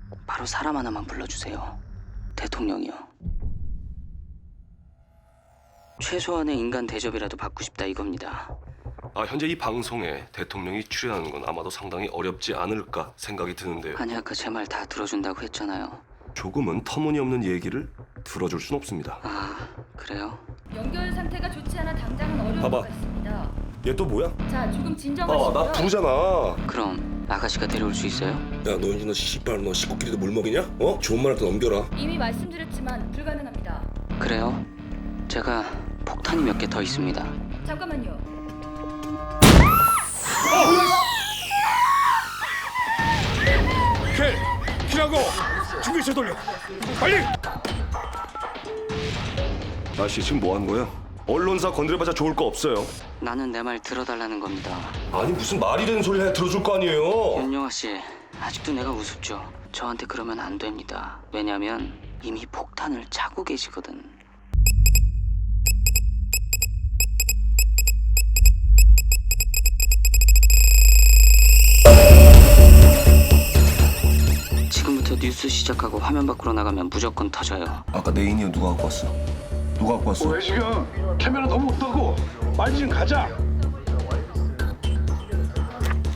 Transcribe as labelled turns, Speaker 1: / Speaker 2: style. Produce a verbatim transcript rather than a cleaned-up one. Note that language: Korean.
Speaker 1: 바로 사람 하나만 불러주세요. 대통령이요. 최소한의 인간 대접이라도 받고 싶다 이겁니다.
Speaker 2: 아, 현재 이 방송에 대통령이 출연하는 건 아마도 상당히 어렵지 않을까 생각이 드는데요.
Speaker 1: 아니 아까 제 말 다 들어준다고 했잖아요.
Speaker 2: 조금은 터무니없는 얘기를 들어줄 순 없습니다.
Speaker 1: 아 그래요?
Speaker 3: 연결 상태가 좋지 않아 당장은 어려울
Speaker 2: 봐봐.
Speaker 3: 것 같습니다.
Speaker 2: 얘 또 뭐야?
Speaker 3: 자, 조금
Speaker 2: 아,
Speaker 3: 진정하시고요.
Speaker 2: 나 부르잖아.
Speaker 1: 그럼 아가씨가 데려올 수 있어요?
Speaker 4: 야, 너 이제 너 씨발 너 식구끼리도 물 먹이냐? 어? 좋은 말 할 때 넘겨라.
Speaker 3: 이미 말씀드렸지만 불가능합니다.
Speaker 1: 그래요? 제가 폭탄이 몇 개 더 있습니다.
Speaker 3: 잠깐만요.
Speaker 2: 킬! 킬하고 중기체 돌려. 빨리! 아씨 지금 뭐 하는 거야? 언론사 건드려봐자 좋을 거 없어요.
Speaker 1: 나는 내 말 들어달라는 겁니다.
Speaker 2: 아니 무슨 말이 되는 소리 해 들어줄 거 아니에요.
Speaker 1: 윤영아 씨, 아직도 내가 우습죠. 저한테 그러면 안 됩니다. 왜냐면 이미 폭탄을 차고 계시거든. 지금부터 뉴스 시작하고 화면 밖으로 나가면 무조건 터져요.
Speaker 4: 아까 내 인이어 누가 갖고 왔어? 누가 갖고 왔어?
Speaker 5: 왜 지금? 카메라 너무 없다고. 빨리 좀 가자.